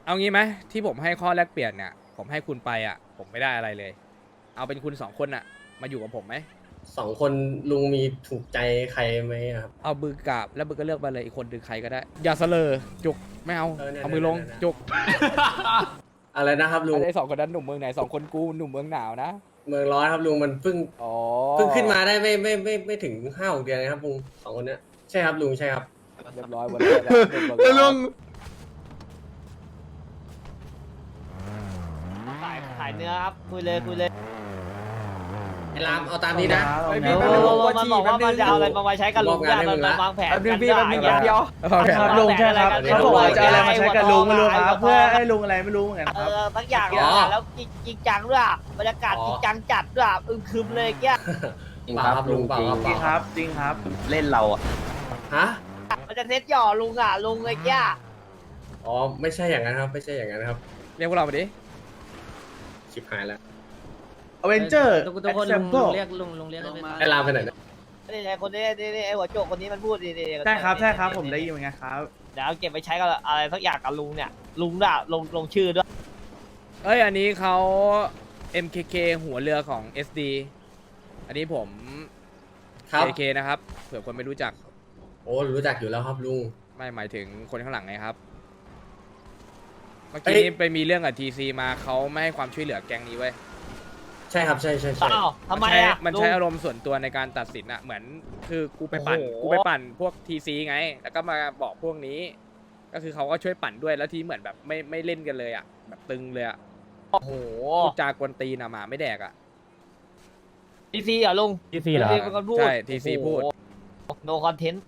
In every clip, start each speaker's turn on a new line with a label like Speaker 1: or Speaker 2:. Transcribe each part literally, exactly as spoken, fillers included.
Speaker 1: เอางี้ไหมที่ผมให้ข้อแลกเปลี่ยนเนี่ยผมให้คุณไปอ่ะผมไม่ได้อะไรเลย เอาเป็นคุณสองคนอ่ะมาอยู่กับผมไหม
Speaker 2: สองคนลุงมีถูกใจใครไหมอะครับ
Speaker 1: เอามือกราบแล้วมือก็เลือกมาเลยอีกคนดึงใครก็ได้ อย่าเสลอจุกไม่เอา
Speaker 2: เออเนี่ย
Speaker 1: เอามือลง
Speaker 2: เนี่ยเนี่ย
Speaker 1: จุก
Speaker 2: อะไรนะครับลุง
Speaker 1: ไอ้สองคนนั้นหนุ่มเมืองไหนสองคนกูหนุ่มเมืองหนาวนะ
Speaker 2: เมืองร้อนครับลุงมันเพิ่ง
Speaker 1: อ๋อ
Speaker 2: เพิ่งขึ้นมาได้ไม่ไม่ไม่ไม่ถึงห้าหกเดือนนะครับลุงสองคนเนี้ยใช่ครับลุงใช่ครับ
Speaker 1: เรียบร้อยหมดเลยนะหนุ่มเมือง
Speaker 3: แล้ว
Speaker 1: ห
Speaker 3: ลุ
Speaker 1: นาง ว
Speaker 4: ขายขายเนื้อครับคุยเลยคุยเลย
Speaker 2: ไอ้รามเอาตามนี้นะ
Speaker 3: ไอ้
Speaker 4: โอ้
Speaker 3: พี่
Speaker 4: โห
Speaker 3: แป๊บนึงผมว่า
Speaker 4: มัน
Speaker 3: ฉี่
Speaker 4: บอก
Speaker 3: แป๊
Speaker 4: ว่า
Speaker 3: บนึ
Speaker 4: มัน
Speaker 3: ง
Speaker 4: จะเอาอะไรมาไว้ใช้กับลุง
Speaker 2: มอบงานให้
Speaker 4: เนี่ย
Speaker 2: มึงละ
Speaker 4: มันวางแผน
Speaker 3: แป๊บนึง
Speaker 4: กัน
Speaker 3: พี่แป๊บนึง
Speaker 4: ได้
Speaker 3: เดียว
Speaker 1: โอเค
Speaker 3: ครับลุงใช่ครับ
Speaker 4: เดี๋ยว
Speaker 3: เขาบอกว่าจะเอาอะไรมาใช้กับลุงไม่รู้ครับ
Speaker 4: หัวทอง
Speaker 3: เพื่อให้ลุงอะไรไม่รู้เหมือนกัน
Speaker 4: เอ
Speaker 3: ครับ
Speaker 4: อทั้งอย่างเลยอะแล้วจริงจริงจังด้วยอะบรรยากาศจริงจังจัดด้วยอะอึมครึมเลยเกี้ย
Speaker 2: เปล่าครับลุงเปล่าครับ
Speaker 3: จริงครับ จริงครับ
Speaker 5: เล่นเราอ่ะ
Speaker 2: ฮะ
Speaker 4: มันจะเซ็ตหย่อลุงอ่ะลุงเลยเกี้ย
Speaker 2: อ๋อไม่ใช่อย่างนั้นครับ ไม่ใช่อย่างนั้นครับ
Speaker 1: เรียกพวกเรามาดิ
Speaker 2: ชิบหายแล้ว
Speaker 3: อเวนเจอร์
Speaker 6: ทุกทุกคนลุงลุงเรียกลุงลุงเรียกได้ไหม
Speaker 2: ไอ้รามไปไหนนะ
Speaker 4: นี่ไงคนนี้นี่นี่ไอ้หัวโจกคนนี้มันพูดนี่นี่
Speaker 3: ใช่ครับ ใช่ครับ ผมได้ยินเหมือนกันครับ
Speaker 4: เดี๋ยวเอาเก็บไปใช้กับอะไรสักอย่างกับลุงเนี่ยลุงด้วยลงลงชื่อด้วย
Speaker 1: เอ้ยอันนี้เขา เอ็ม เค เค หัวเรือของ เอส ดี อันนี้ผม
Speaker 2: ครับ
Speaker 1: เค เค นะครับเผื่อคนไม่รู้จัก
Speaker 2: โอ้รู้จักอยู่แล้วครับลุง
Speaker 1: ไม่หมายถึงคนข้างหลังไงครับ เมื่อ
Speaker 2: เอ้
Speaker 1: กี้
Speaker 2: ย
Speaker 1: นี้ไปมีเรื่องกับทีซีมาเขาไม่ให้ความช่วยเหลือแก๊งนี้เว้ย
Speaker 2: ใช่ครับใช่ใช่ใช่
Speaker 4: อ้าวทำไม
Speaker 1: นใช้
Speaker 4: อ่ะ
Speaker 1: มัน
Speaker 4: ลุง
Speaker 1: ใช้อารมณ์ส่วนตัวในการตัดสินอะเหมือนคือกูไปปั่น
Speaker 4: โอ้โห
Speaker 1: กูไปปั่นพวกทีซีไง แล้วก็มาบอกพวกนี้ ก็คือเขาก็ช่วยปั่นด้วยแล้วทีเหมือนแบบไม่ไม่เล่นกันเลยอะแบบตึงเลยอะ
Speaker 4: โอ้โห
Speaker 1: พูดจากวนตีนอะหมาไม่แดกอะ
Speaker 4: ทีซีเหรอลุง
Speaker 5: ทีซีเหรอ
Speaker 4: เป็นคนพูด
Speaker 1: ใช่ ทีซีพูด
Speaker 4: โนคอนเทนต์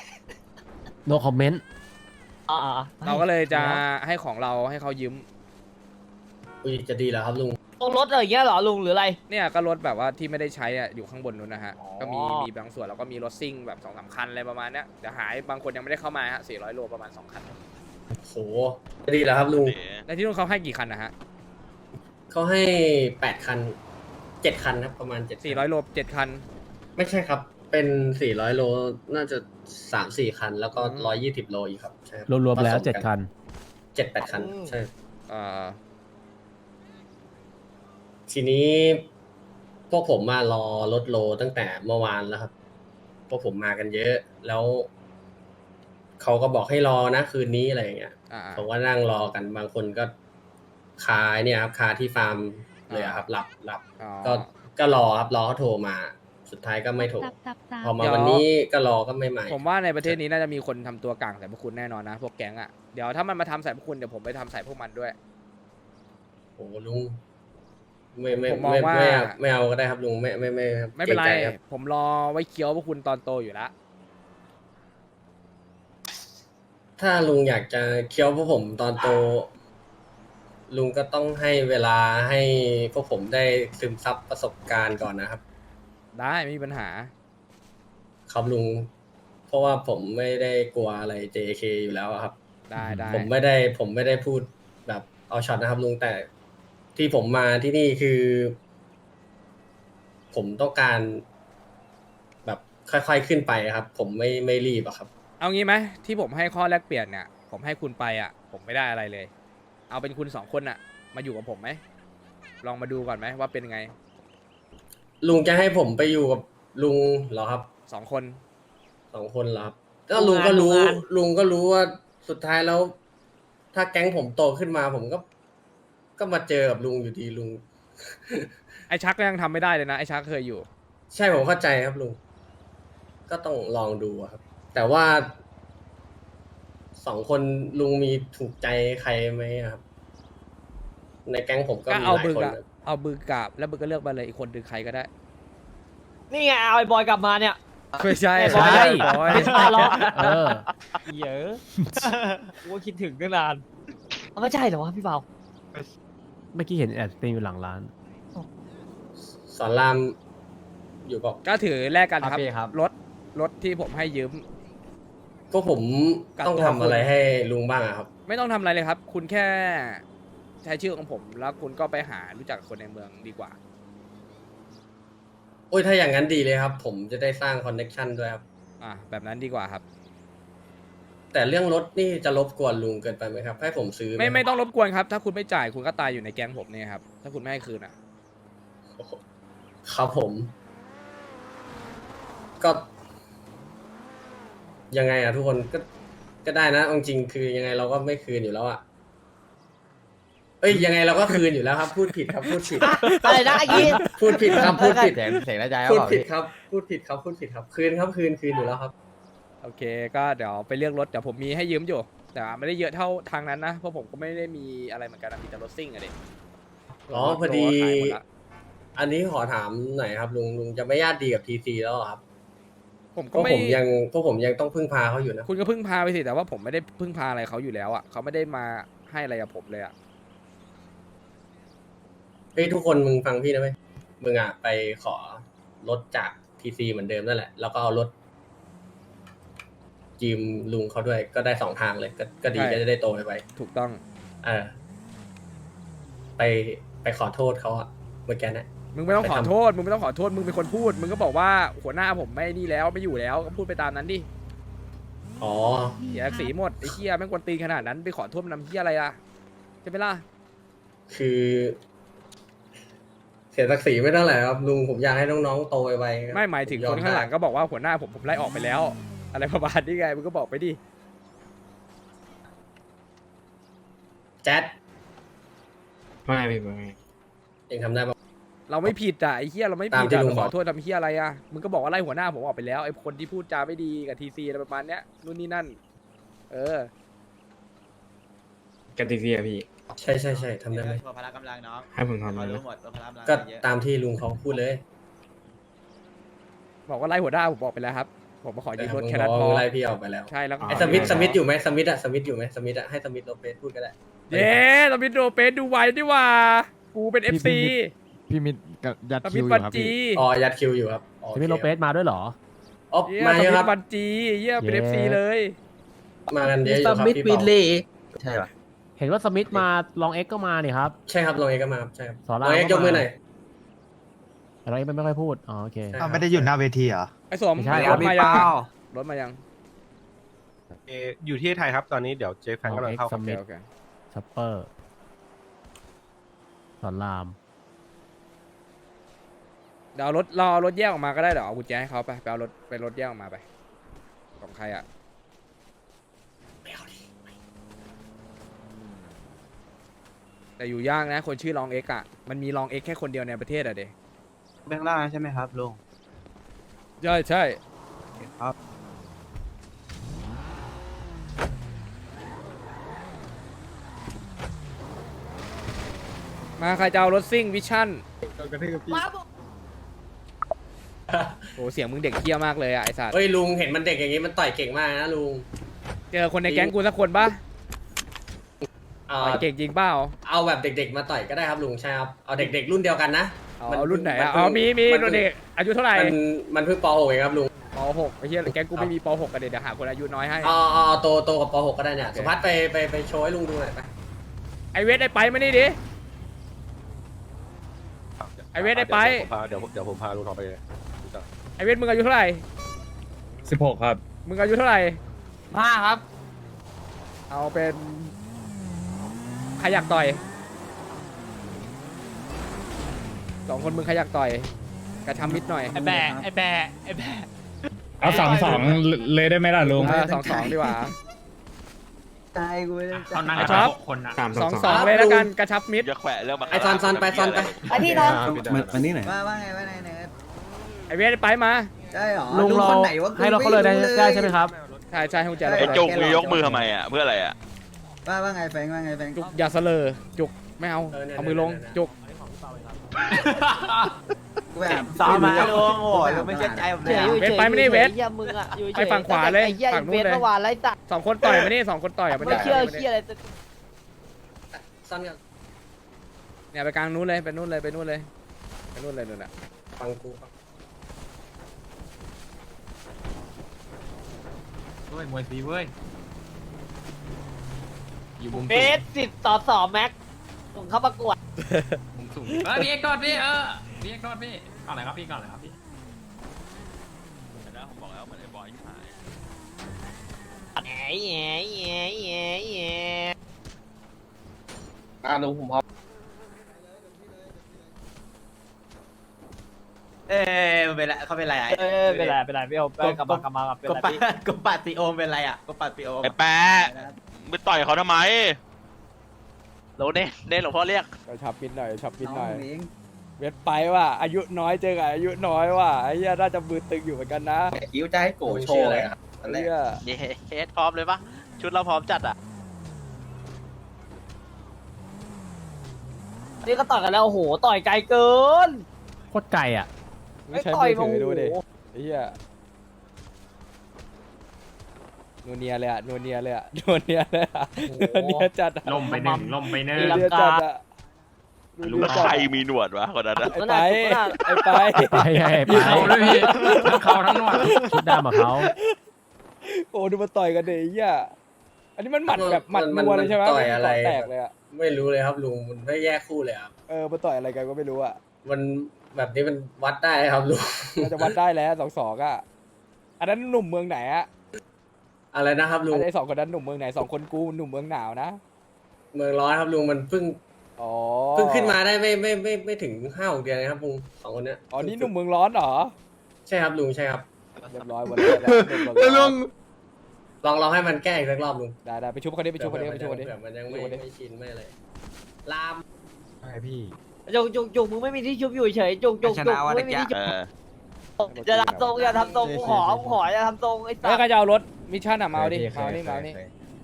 Speaker 5: no comment
Speaker 4: อ่า
Speaker 1: เราก็เลยจะให้ของเราให้เขายืม
Speaker 2: อุ้ยจะดีแล้วครับลุง
Speaker 4: ตรงรถอะไรอย่างเงี้ยเหรอลุงหรืออะไร
Speaker 1: เนี่ยก็รถแบบว่าที่ไม่ได้ใช้อะอยู่ข้างบนนู้นนะฮะ
Speaker 4: อ๋อ
Speaker 1: ก็มีมีบางส่วนแล้วก็มีรถซิ่งแบบสองสามคันอะไรประมาณเนี้ยแต่หายบางคนยังไม่ได้เข้ามาฮะสี่ร้อยโลประมาณสองคัน
Speaker 2: โหจะดีแล้วครับลุง
Speaker 1: แล้วที่นู้นเขาให้กี่คันนะฮะ
Speaker 2: เขาให้แปดคันเจ็ดคันครับประมาณเจ็ด
Speaker 1: สี่ร้อยโลเจ็ดคัน
Speaker 2: ไม่ใช่ครับ เป็นสี่ร้อยโลน่าจะสามสี่คัน แล้วก็
Speaker 1: อืม
Speaker 2: ร้อยยี่สิบโลอีกครับใช่คบ
Speaker 5: รวมๆแล้ว
Speaker 2: ผสกัน
Speaker 5: เจ็ดคัน
Speaker 2: เจ็ดแปดคันใช่
Speaker 1: เอ่อ
Speaker 2: ทีนี้พวกผมมารอรถโลตั้งแต่เมื่อวานแล้วครับ พวกผมมากันเยอะ แล้วเขาก็บอกให้รอนะคืนนี้อะไรอย่างเงี้ย
Speaker 1: อ่า
Speaker 2: ผมก็นั่งรอกันบางคนก็คาเนี่ยครับคาที่ฟาร์มเลยอะครับหลับหลับ
Speaker 1: อ๋อ
Speaker 2: ก็ก็รอครับรอเขาโทรมา สุดท้ายก็ไม่โทร
Speaker 7: ตับตับตับ
Speaker 2: พอมา
Speaker 1: เดี๋ยว
Speaker 2: วันนี้ก็รอก็ไม่มา
Speaker 1: ผมว่าในประเทศนี้น่าจะมีคนทำตัวกลางใส่พวกคุณแน่นอนนะ พวกแก๊งอ่ะ เดี๋ยวถ้ามันมาทำใส่พวกคุณเดี๋ยวผมไปทำใส่พวกมันด้วย
Speaker 2: โอ้ลุงไม่ไม่
Speaker 1: ผมมอง
Speaker 2: ไม่
Speaker 1: ว่า
Speaker 2: ไม่เอาไม่เอาก็ได้ครับลุงไม่ไม่ไม่ครับ
Speaker 1: ไม่เป็นไร
Speaker 2: กงใจคบ
Speaker 1: ผมรอไว้เคี้ยวพวกคุณตอนโตอยู่แล้ว
Speaker 2: ถ้าลุงอยากจะเคี้ยวพวกผมตอนโต ลุงก็ต้องให้เวลาให้พวกผมได้ซึมซับประสบการณ์ก่อนนะครับ
Speaker 1: ได้ไม่มีปัญหา
Speaker 2: ครับลุง เพราะว่าผมไม่ได้กลัวอะไร เจ เค อยู่แล้วอะครับ
Speaker 1: ได้ได้
Speaker 2: ผมไม่ได้ผมไม่ได้พูดแบบเอาช็อตนะครับลุงแต่ที่ผมมาที่นี่คือ ผมต้องการแบบค่อยๆขึ้นไปครับ ผมไม่ไม่รีบอะครับ
Speaker 1: เอางี้ไหมที่ผมให้ข้อแลกเปลี่ยนเนี่ย ผมให้คุณไปอ่ะ ผมไม่ได้อะไรเลย เอาเป็นคุณสองคนอ่ะ มาอยู่กับผมไหมลองมาดูก่อนไหมว่าเป็นไง
Speaker 2: ลุงจะให้ผมไปอยู่กับลุงเหรอครับ
Speaker 1: สองคน
Speaker 2: สองคนเหรอครับก็ลุงก็รู้ ลุงก็รู้ว่าสุดท้ายแล้ว ถ้าแก๊งผมโตขึ้นมา ผมก็ ก็มาเจอกับลุงอยู่ดีลุง
Speaker 1: ไอชักก็ยังทำไม่ได้เลยนะไอชักเคยอยู่
Speaker 2: ใช่ผมเข้าใจครับลุง ก็ต้องลองดูอะครับ แต่ว่าสองคนลุงมีถูกใจใครไหมอะครับ ในแก๊งผมก็
Speaker 1: ก็
Speaker 2: มี
Speaker 1: เอา
Speaker 2: หลาย
Speaker 1: มือ
Speaker 2: คน
Speaker 1: กะ
Speaker 2: นะ
Speaker 1: เอามือกราบแล้วมือก็เลือกมาเลยอีกคนดึงใครก็ได้
Speaker 4: นี่ไงเอาไอ้บอยกลับมาเนี่ย
Speaker 1: ไม่ใช่
Speaker 4: ไม่ใช่
Speaker 1: บอย
Speaker 4: ไม่ใช่หรอก
Speaker 5: เออ
Speaker 4: เยอะกูก็คิดถึงตั้งนานเอาไม่ใช่เหรอวะพี่เบา
Speaker 5: เมื่อกี้เห็นแอดสตรีมอยู่หลังร้าน
Speaker 2: สอนรามอยู่กับ
Speaker 1: ก็ถือแลกกันครับ
Speaker 3: โอเคครับ
Speaker 1: รถรถที่ผมให้ยืม
Speaker 2: พวกผม
Speaker 1: กับ
Speaker 2: ต้อง
Speaker 1: ตัว
Speaker 2: ทำอะไร
Speaker 1: คุณ
Speaker 2: ให้ลุงบ้างอะครับ
Speaker 1: ไม่ต้องทำอะไรเลยครับ คุณแค่ใช้ชื่อของผม แล้วคุณก็ไปหารู้จักคนในเมืองดีกว่า
Speaker 2: โอ้ยถ้าอย่างนั้นดีเลยครับ ผมจะได้สร้างคอนเน็ชันด้วยครับ
Speaker 1: อ่ะแบบนั้นดีกว่าครับ
Speaker 2: แต่เรื่องรถนี่จะรบกวนลุงเกินไปไหมครับ ให้ผมซื้อห
Speaker 1: ไม่ไม่ต้องรบกวนครับ ถ้าคุณไม่จ่ายคุณก็ตายอยู่ในแก๊งผมเนี่ยครับถ้าคุณไม่ให้คืนอ่ะ
Speaker 2: ครับผม ก็ ยังไงอะทุกคนก็ก็ได้นะเอาจริงๆคือยังไงเราก็ไม่คืนอยู่แล้วอะเอ้ยยังไงเราก็คืนอยู่แล้วครับ พูดผิดครับ พูดผิด
Speaker 4: อะไรนะไอ้ยีน
Speaker 2: พูดผิดครับพูดผิด
Speaker 5: เสียงเสียงน่าใจ
Speaker 2: พูดผิดครับ พูดผิดครับ พูดผิดครับ คืนครับคืนคืนอยู่แล้วครับ
Speaker 1: โอเคก็เดี๋ยวไปเลือกรถเดี๋ยวผมมีให้ยืมอยู่ แต่ไม่ได้เยอะเท่าทางนั้นนะเพราะผมก็ไม่ได้มีอะไรเหมือนกันนะมีแต่รถซิ่งอะเด็ก
Speaker 2: อ๋อพอดี
Speaker 1: ขายหมดละ
Speaker 2: อันนี้ขอถามหน่อยครับลุงลุงจะไม่ญาติดีกับทีซีแล้วเหรอครับ
Speaker 1: ผม
Speaker 2: เพ
Speaker 1: ก็
Speaker 2: ราะ
Speaker 1: ไม่
Speaker 2: ผมยังเพราะผมยังต้องพึ่งพาเขาอยู่นะ
Speaker 1: คุณก็พึ่งพาไปสิแต่ว่าผมไม่ได้พึ่งพาอะไรเขาอยู่แล้วอ่ะเขาไม่ได้มาให้อะไรกับผมเลยอ่ะ
Speaker 2: เฮ้ยทุกคนมึงฟังพี่นะไหมมึงอ่ะไปขอรถจากทีซีเหมือนเดิมนั่นแหละ แล้วก็เอารถจีมลุงเขาด้วยก็ได้สองทางเลย ก็ก็ดีก็จะได้โตไปไป
Speaker 1: ถูกต้อง
Speaker 2: เออไปไปขอโทษเขาอะเมื่อกี้นะ
Speaker 1: มึงไม่ต้อง
Speaker 2: ไป
Speaker 1: ขอ
Speaker 2: ทำ
Speaker 1: โทษมึงไม่ต้องขอโทษมึงเป็นคนพูด มึงก็บอกว่าหัวหน้าผมไม่นี่แล้วไม่อยู่แล้วก็พูดไปตามนั้นดิ
Speaker 2: อ๋อ
Speaker 1: เสียสีหมดไอ้เหี้ยแม่งกวนตีนขนาดนั้นไปขอโทษมันนำเหี้ยอะไรอ่ะใช่ไหมล่ะ
Speaker 2: คือ เสียศักดิ์ศรีไม่เท่าไหร่ครับลุงผมอยากให้น้องๆโตไปๆครับ
Speaker 1: ไม่หมายถึง
Speaker 2: ผ
Speaker 1: คนข้างหลัง
Speaker 2: ได้
Speaker 1: ก็บอกว่าหัวหน้าผมผมไล่ออกไปแล้ว อะไรประมาณนี้ไงมึงก็บอกไปดิ
Speaker 2: แจ๊ด
Speaker 7: ไม่พี่ไม่
Speaker 2: เองทำได้ปะ
Speaker 1: เราไม่ผิดอ่ะไอ้เหี้ยเราไม่
Speaker 2: ตา
Speaker 1: ผิ
Speaker 2: ม
Speaker 1: ด
Speaker 2: ที่
Speaker 1: อ่ะ
Speaker 2: ลุง
Speaker 1: ไปขอ
Speaker 2: บอก
Speaker 1: โทษทำเหี้ยอะไรอ่ะมึงก็บอกว่าไล่หัวหน้าผมออกไปแล้วไอ้คนที่พูดจาไม่ดีกับทีซีอะไรประมาณเนี้ยนู่นนี่นั่น เออ
Speaker 7: กันทีเซียพี่
Speaker 2: ใช่ใช่ใช่ทำได้ไหม
Speaker 6: พละกำลังน้อง
Speaker 7: ให้ผมทำ
Speaker 6: เขา
Speaker 7: เลย
Speaker 6: รู้
Speaker 7: นะ
Speaker 6: หมดว่าพละกำลัง
Speaker 2: ก็
Speaker 6: เยอะ
Speaker 2: ตามที่ลุงเขาพูดเลย
Speaker 1: บอกว่าไล่หัวหน้าผมบอกไปแล้วครับ ผมมาขอยืมรถ
Speaker 2: ลุง
Speaker 1: แค่
Speaker 2: บ
Speaker 1: นั้
Speaker 2: อน ก
Speaker 1: พอ
Speaker 2: ว่าไล่พี่ออกไปแล้ว
Speaker 1: ใช่แล้วก็
Speaker 2: ไอ้สมิธสมิธอยู่ไหมสมิธอะสมิธอยู่ไหมสมิธอะให้สมิธโลเปสพูดก็ได้
Speaker 1: เย้สมิธโรเปสดูไว้ดีว่า กูเป็นเอฟซี
Speaker 5: พี่มิดกับยัด
Speaker 1: ส
Speaker 5: คิ
Speaker 1: มิธ
Speaker 5: วอ
Speaker 1: บั
Speaker 5: ยู่
Speaker 1: น
Speaker 5: ครับ
Speaker 1: จี
Speaker 5: พี่
Speaker 2: อ๋อยัดคิวอยู่ครับอ๋อ
Speaker 5: พี่มิดโลเปสมาด้วยเหรอ
Speaker 2: อ๋อ
Speaker 1: เยี่ย
Speaker 2: มา
Speaker 1: ส
Speaker 2: เย
Speaker 1: มิ
Speaker 2: อะค
Speaker 1: ธ
Speaker 2: รับ
Speaker 1: บันจีเยี่ยเป็น
Speaker 5: เย้
Speaker 1: เอฟซีเลย
Speaker 2: มากันเยอะอยู่ครับพี่เปา
Speaker 6: ใช่ป่ะ
Speaker 5: เห็นว่าสมิธมาลองเอ็กก็มาเนี่ยครับ
Speaker 2: ใช่ครับลองเอกก็มาครับใช่ครับ
Speaker 5: สอน
Speaker 2: ล
Speaker 5: ราม
Speaker 2: องเอก
Speaker 5: ก็
Speaker 2: ยกมือ
Speaker 5: มา
Speaker 2: หน่อย
Speaker 5: แต่เราเอ็กไม่ค่อยพูด อ๋อโอเค
Speaker 2: ใช่
Speaker 8: อ้าวไม่ได้อยู่หน้าเวทีเหรอ
Speaker 1: ไอ้สม
Speaker 5: ไม่ใช่
Speaker 1: รถมายังรถมายัง
Speaker 9: เอ่ออยู่ที่ไทยครับตอนนี้เดี๋ยวเจฟแฟนกำลังเข้า
Speaker 5: ส
Speaker 9: ครับ
Speaker 5: มิธ
Speaker 1: โอเค
Speaker 5: ชัปเปอร์ สอนราม
Speaker 1: เดี๋ยวเอารถรอเอารถแยกออกมาก็ได้เดี๋ยวเอากุญแจให้เขาไปไปเอารถไปรถแยกออกมาไปของใครอ่ะแต่อยู่ยากนะ คนชื่อลองเอ็กอ่ะมันมีลองเอ็กแค่คนเดียวในประเทศอ่ะเด็
Speaker 3: แบงค์ล่างใช่ไหมครับลุง
Speaker 1: ใช่ใช่
Speaker 3: ครับ
Speaker 1: มาใครจะเอารถซิ่งวิชั่น
Speaker 4: มาบอก
Speaker 1: โอ้เสียงมึงเด็กเคี้ยมากเลยอ่ะไอ้สัตว์
Speaker 2: เฮ้ยลุงเห็นมันเด็กอย่างงี้มันต่อยเก่งมากนะลุง
Speaker 1: เจอคนในแก๊งกูสักคนปะ
Speaker 2: เอา
Speaker 1: ต่อยเก่งจริงเปล่า
Speaker 2: เอาแบบเด็กๆมาต่อยก็ได้ครับลุงใช่ครับเอาเด็กๆรุ่นเดียวกันนะ
Speaker 1: เอา
Speaker 2: มัน
Speaker 1: เอารุ่นไหน
Speaker 2: มัน
Speaker 1: อ่ะ
Speaker 2: เพิ่
Speaker 1: อ๋
Speaker 2: ง
Speaker 1: อมีมี
Speaker 2: มันเพิ่
Speaker 1: รุ่
Speaker 2: ง
Speaker 1: นเด็กอายุเท่าไหร่
Speaker 2: มันมันเพิ่งป .หก เองครับลุง
Speaker 1: ป .หก ไอ้เหี้ยแก๊งกูไม่มีป .หก กันเดี๋ยวเดี๋ยวหาคนอายุน้อยให้
Speaker 2: เอาเอาเอาโตโตกับป .หก ก็ได้เนี่ย
Speaker 1: โอเค
Speaker 2: สุพัฒน์ไปไปไปโชว์ให้ลุงดูหน่อยไป
Speaker 1: ไอเวทไอไปมานี่ดิ ไอ้เวทได้ไป
Speaker 9: เดี๋ยวผมพาเดี๋ยวเดี๋ยวผมพาลุงทองไปเลยรู้จัก
Speaker 1: ไอเวทมึงอายุเท่าไหร่
Speaker 7: สิบหกครับ
Speaker 1: มึงอายุเท่าไหร่
Speaker 6: ห้าครับ
Speaker 1: เอาเป็นใครอยากต่อยสองคนมึงใครอยากต่อยกระชับมิดหน่อย
Speaker 6: ไอแบะไอแบะไอแบะ
Speaker 7: เอาสองสองเลยได้ไหมล่ะลุง
Speaker 1: เออสองสองดีกว่า
Speaker 3: ใจกูไม่ได้
Speaker 6: เขานั่ง
Speaker 1: ไอ้
Speaker 6: กัน
Speaker 1: ท็อป
Speaker 6: หกคนอ่ะ
Speaker 7: สาม
Speaker 1: ส
Speaker 7: ส
Speaker 1: อ
Speaker 7: อง ง
Speaker 1: สองเลยแล้วกันกระชับมิด
Speaker 10: อย่าแขวะเรื่องมา
Speaker 2: ไอซอนซอนไปซอนไป
Speaker 4: ไปพี่นอน
Speaker 8: มามานี่ไหน
Speaker 3: ว่าว่าไงว่าไงเนท
Speaker 1: ไอเวทไอไปมา
Speaker 3: ใช่หรอ
Speaker 5: ลุงเรา
Speaker 3: คนไหนวะ
Speaker 5: ให้เราเขาเลยได้ได้ใช่ไหมครับ
Speaker 1: ใช่ใช่ให้กุญแจ
Speaker 3: ใช่
Speaker 1: เรา
Speaker 10: ไอ้
Speaker 1: ไป
Speaker 10: จุกมึงยกมือทำไมอ่ะ เพื่ออะไรอ่ะ
Speaker 3: ว่าว่าไงแฟงว่าไงแฟง
Speaker 1: จุกอย่าเสลอจุกไม่เอา
Speaker 2: เออเนี่ย
Speaker 1: เอามือลง
Speaker 2: เนี่ย
Speaker 1: จุก
Speaker 3: กูแบบ
Speaker 6: ซ้อมมาลุงโอ้ยลุงไม่เชื่อใจผม
Speaker 4: เฉ
Speaker 6: เลย
Speaker 4: ยอยู่
Speaker 1: เวท
Speaker 4: เฉย
Speaker 1: ไปไม่ได้เวท
Speaker 4: เหี้ยมึงอ่ะอยู่เฉย
Speaker 1: ไปฝั่งขวาเลย
Speaker 4: ไอ้เหี้ย
Speaker 1: ฝั่งนู้น
Speaker 4: เวท
Speaker 1: เลย
Speaker 4: เมื่อวานไรสัตว์
Speaker 1: สองคนต่อยมานี่สองคนต่อยอ่ะมัน
Speaker 4: ไม่
Speaker 1: จะ
Speaker 4: เชื่อเหี้ยอะไร
Speaker 2: ซอนกัน
Speaker 1: เนี่ยไปกลางนู้นเลยไปนู้นเลยไปนู้นเลยไปนู้นเลยนู่นน่ะ
Speaker 2: ฟังกูฟัง
Speaker 6: เว้ยมวยฟรีเว้ย อยู่มุม
Speaker 4: เบสสิบต่อสองแม็กส่งเข้าประกวด
Speaker 6: มุมสูงเออพี่เอ็กซ์ก่อนพี่เออพี่เอ็กซ์ก่อนพี่ก่อนเลยครับพี่ก่อนเลยครับพี่
Speaker 10: ผมบอกแล้วเหมือนไอ้บอยที่หาย
Speaker 4: แง่แง่แง่แง่แง่
Speaker 9: อ่าลุงผมพร้อม
Speaker 3: เอ้ยมันเป็นไรเขาเป็นไรอ่ะ
Speaker 4: เออเป็นไรเป็นไรพี่โอมกลับมากลับมากลับเป็น
Speaker 3: ก
Speaker 4: ไร
Speaker 3: ปัด
Speaker 4: พี่
Speaker 3: กปัดตีโอมเป็นไรอ่ะกปัดตีโอม
Speaker 10: ไอ้แปะไปต่อยเขาทำไม
Speaker 4: โหลเน่เน่หลวงพ่อเรียก
Speaker 1: ไปชับปิดหน่อยชับปิดหน่อย
Speaker 3: น้องเอง
Speaker 1: เวทไปว่ะอายุน้อยเจอกับอายุน้อยว่ะไอ้เหี้ยน่าจะมือตึงอยู่เหมือนกันนะ
Speaker 9: คิ้วจะให้โกโชว์เลยครับ
Speaker 1: ไอ้เหี้ย
Speaker 4: เย้เคสพร้อมเลยปะชุดเราพร้อมจัดอ่ะนี่ก็ต่อยกันแล้วโอ้โหต่อยไกลเกิน
Speaker 5: โคตรไกลอ่ะ
Speaker 1: ไม่ใช่
Speaker 4: ต่อย
Speaker 1: มือถือดูดิ
Speaker 4: โอ้โห
Speaker 1: ไอ้เหี้ยนัวเนียเลยอะนัวเนียเลยอะนัวเนียเลยอะนัวเนียจัดอะ
Speaker 6: ลมไปหนึ่งลมไปเนิ่
Speaker 1: นัวเนียจัดอะนัว
Speaker 10: รู้
Speaker 1: เนีย
Speaker 10: ว่า
Speaker 1: จัด
Speaker 10: ใคร
Speaker 1: อะ
Speaker 10: มีหนวดวะคนนั้นอะ
Speaker 1: ไอ้ไปไอ้ไป
Speaker 5: ไปไงไป
Speaker 6: มีเขาด้วยพี่ทั้งเขาทั้งหนวด
Speaker 5: ชุดดำกับเขา
Speaker 1: โอ้ดูมาต่อยกันเดี๋ยวไอ้เหี้ยอันนี้มันหมัดแบบหมัดนัวเลยใช่ไหม
Speaker 2: ต่อยอะไร
Speaker 1: แตกเลยอะ
Speaker 2: ไม่รู้เลยครับลุงมันไม่แยกคู่เลยครับ
Speaker 1: เออมาต่อยอะไรกันก็ไม่รู้อะ
Speaker 2: มันแบบนี้มันวัดได้ครับลุง
Speaker 1: เราจะวัดได้แล้วสองสองอะอันนั้นหนุ่มเมืองไหนอะ
Speaker 2: อะไรนะครับลุง
Speaker 1: อันนี้สองคนนั้นหนุ่มเมืองไหนสองคนกูหนุ่มเมืองหนาวนะ
Speaker 2: เมืองร้อนครับลุงมันเพิ่ง
Speaker 1: อ๋อ
Speaker 2: เพิ่งขึ้นมาได้ไม่ไม่ไม่ไม่ถึงห้าหกเดือนเลยครับลุงสองคนเนี้ย
Speaker 1: อ๋อนี่หนุ่มเมืองร้อนเหรอ
Speaker 2: ใช่ครับลุงใช่ครับ
Speaker 1: เรียบร้อยหมดเลยแล้วหนุ่มเมืองร้อน
Speaker 2: ลองลองให้มันแก้อีกสักรอบลุง
Speaker 1: ได้ได้ไปชุบคนนี้ไปชุบคนนี้ไปชุบคนนี้
Speaker 2: เผื่อมันยังไม่
Speaker 1: ชุบคนนี้
Speaker 2: ไม่ชินไม่อะไรลาม
Speaker 7: ใช่พี่
Speaker 4: จุกจุกจุกมึงไม่มีที่ชุบอยู่เฉยจุกจุกจุกมึงไม่มีที่ชุบ
Speaker 10: เออ
Speaker 4: อย่าทำทรงอย่าทำทรงกูขอกูขออย่าทำทรงไอ้สั
Speaker 1: เฮ้ย
Speaker 4: ส
Speaker 1: ใครจะเอารถมิชชั่นอะมาเอาดิมาเอาดิมาเอาดิ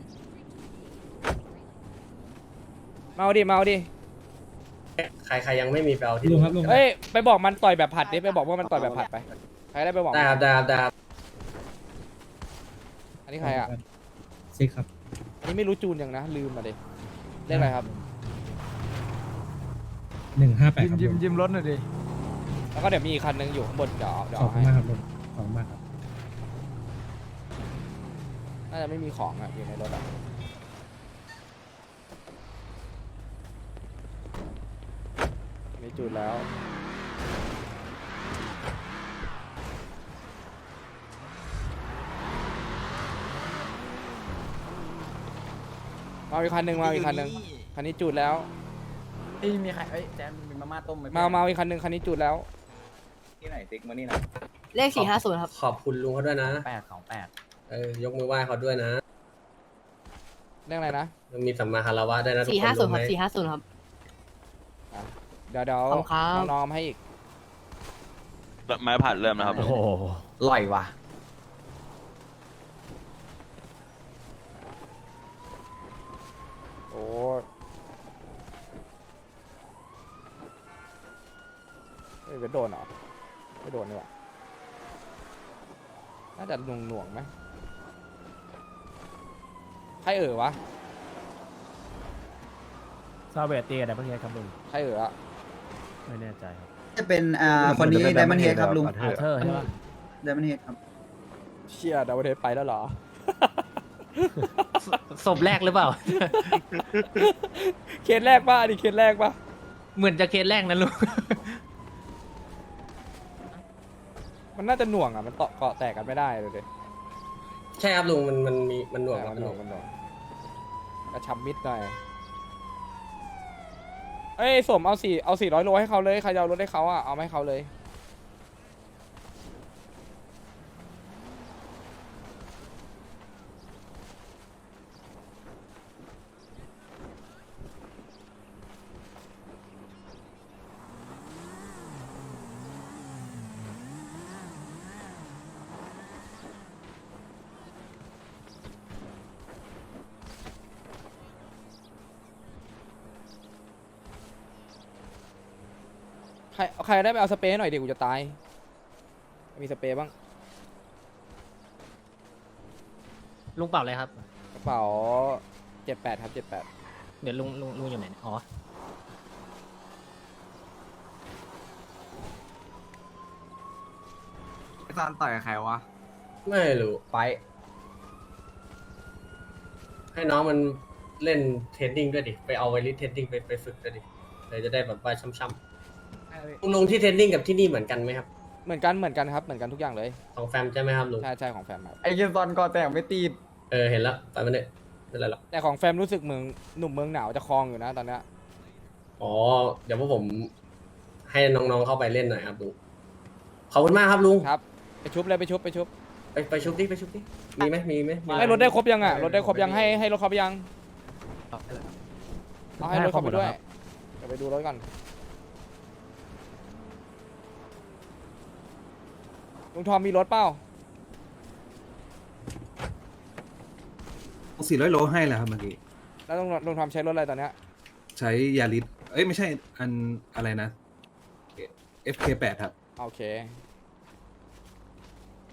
Speaker 1: มาเอาดิมาเอาดิ
Speaker 2: ใครใครยังไม่มีไปเอาที่
Speaker 7: ลุงครับลุง
Speaker 1: เอ้ยไปบอกมันต่อยแบบผัดดิไปบอกว่ามันต่อยแบบผัดไปใครได้ไปบอก
Speaker 2: ได้ครับได้ครับได้ครับ
Speaker 1: อันนี้ใครอะ
Speaker 7: ซิครับ
Speaker 1: อันนี้ไม่รู้จูนยังนะลืมมาดิเรียกอะไรครับ
Speaker 7: หนึ่งห้าแปด
Speaker 3: ยิ้มยิ้มยิ้มรถหน่อยดิ
Speaker 1: แล้วก็เดี๋ยวมีอีกคันนึงอยู่ข้างบนเดี๋ยวเดี๋ยว
Speaker 7: ขอบ
Speaker 1: เอา
Speaker 7: คุณ
Speaker 1: ให้
Speaker 7: มากครับลุงขอบคุณมากครับ
Speaker 1: น่าจะไม่มีของอะอยู่ในรถอะมีจูนแล้วมาอีกคันหนึ่งมาอีกคันหนึ่งคันนี้จูดแล้ว
Speaker 3: เอ้ยมีใครเอ้ยแจมมีมาม่าต้มไหม
Speaker 1: มามาอีกคันหนึ่งคันนี้จูดแล้ว
Speaker 3: ที่ไหนติ๊กมานี่นะ
Speaker 4: เลขสี่ห้าศูนย์ครับ
Speaker 2: ขอบคุณลุงเขาด้วยนะ
Speaker 3: แปดสองแปด
Speaker 2: เออยกมือไหว้เขาด้วยนะ
Speaker 1: เรื่องอะไรนะ
Speaker 2: มันมีสัมมาคารวะด้วยนะทุก
Speaker 4: สี่
Speaker 2: ค
Speaker 4: ห้าน ศู
Speaker 2: รู้
Speaker 4: นย์
Speaker 2: ไห
Speaker 4: ค
Speaker 2: ม
Speaker 4: รับสี่ห้าศูนย์ครับ
Speaker 1: เดี๋ยวเดี๋ยว
Speaker 4: ขอบคุณครับ
Speaker 1: น้องๆให้อีก
Speaker 10: ไม้ผัดเริ่มนะครับ
Speaker 5: โอ้โห
Speaker 3: อร่อยว่ะ
Speaker 1: โอ้เฮ้ยเวทโดนเหรอไม่โดนนี่หว่าน่าจะหน่วงหน่วงๆไหมใครเอ่ยวะ
Speaker 5: ซาเวตตีกับไดมอนด์เฮดครับลุง
Speaker 1: ใครเอ่ออะ
Speaker 5: ไม่แน่ใจครับ
Speaker 3: จะเป็นอ่าคนนี้ไดมอนด์เฮดครับลุง
Speaker 5: อาเธอร์ใช่ปะ
Speaker 3: ไดมอนด์เฮดครับ
Speaker 1: เชี่ยดาวเทสไปแล้วเหรอ
Speaker 5: ศพแรกหรือเปล่า
Speaker 1: เคสแรกป่ะอันนี้เคสแรกป่ะ
Speaker 5: เหมือนจะเคสแรกนะลุง
Speaker 1: มันน่าจะหน่วงอ่ะมันเกาะเกาะแตกกันไม่ได้เลยดิ
Speaker 2: ใช่ครับลุงมันมันมีมันหน่วงครับ
Speaker 1: มันห
Speaker 2: ห
Speaker 1: น่
Speaker 2: น่
Speaker 1: ว
Speaker 2: ว
Speaker 1: ง
Speaker 2: ง
Speaker 1: มันหน่วงกระชับมิดหน่อยเอ้ยสมเอาสี่เอาสี่ร้อยโลให้เขาเลยใครจะเอารถให้เขาอ่ะเอามาให้เขาเลย ใครใครได้ไปเอาสเปรย์หน่อยดิกูจะตาย มีสเปรย์บ้าง
Speaker 5: ลุงเปล่าเลยครับ
Speaker 1: กระเป๋าเจ็ดแปดครับเจ็ดแปด
Speaker 5: เดี๋ยวลุงลุงลุงอยู่ไหนเนี่ยอ๋อ
Speaker 3: ซานต่อยกับใครวะ
Speaker 2: ไม่รู้
Speaker 3: ไป
Speaker 2: ให้น้องมันเล่นเทรดดิ้งด้วยดิไปเอาไวริสเทรดดิ้งไปไปฝึกด้วยดิเลยจะได้แบบว่าช่ำๆลุงลงที่เทรดดิ้งกับที่นี่เหมือนกันไหมครับ
Speaker 1: เหมือนกันเหมือนกันครับเหมือนกันทุกอย่างเลย
Speaker 2: ของแฟมใช่ไหมครับลุง
Speaker 1: ใช่ใช่ของแฟมครับ
Speaker 3: ไอ้เกมซอนก่อแต่งไม่ตีด
Speaker 2: เออเห็นแล้วไปมันเนี่ยไม่เป็นไรหรอก
Speaker 1: แต่ของแฟมรู้สึกเมืองหนุ่มเมืองหนาวจะคลองอยู่นะตอนเนี้ย
Speaker 2: อ๋อเดี๋ยวพวกผมให้น้องๆเข้าไปเล่นหน่อยครับลุงขอบคุณมากครับลุง
Speaker 1: ครับไปชุบเลยไปชุบไปชุบ
Speaker 2: ไปไปชุบดิไปชุบดิมีไหมมีไหมมี
Speaker 1: ให้รถได้ครบยังอ่ะรถได้ครบยังให้ให้รถครบยังเอาให้รถครบไปด้วยเดี๋ยวไปดูรถก่อนลุงทอมมีรถเปล่า
Speaker 8: สี่ร้อยโลให้แล้วครับเมื่อกี้
Speaker 1: แล้วลุงลุงทอมใช้รถอะไรตอนเนี้ย
Speaker 8: ใช้ยาริสเอ้ย ไม่ใช่ อันอะไรนะ เอฟ เค แปด ครับ
Speaker 1: โอเค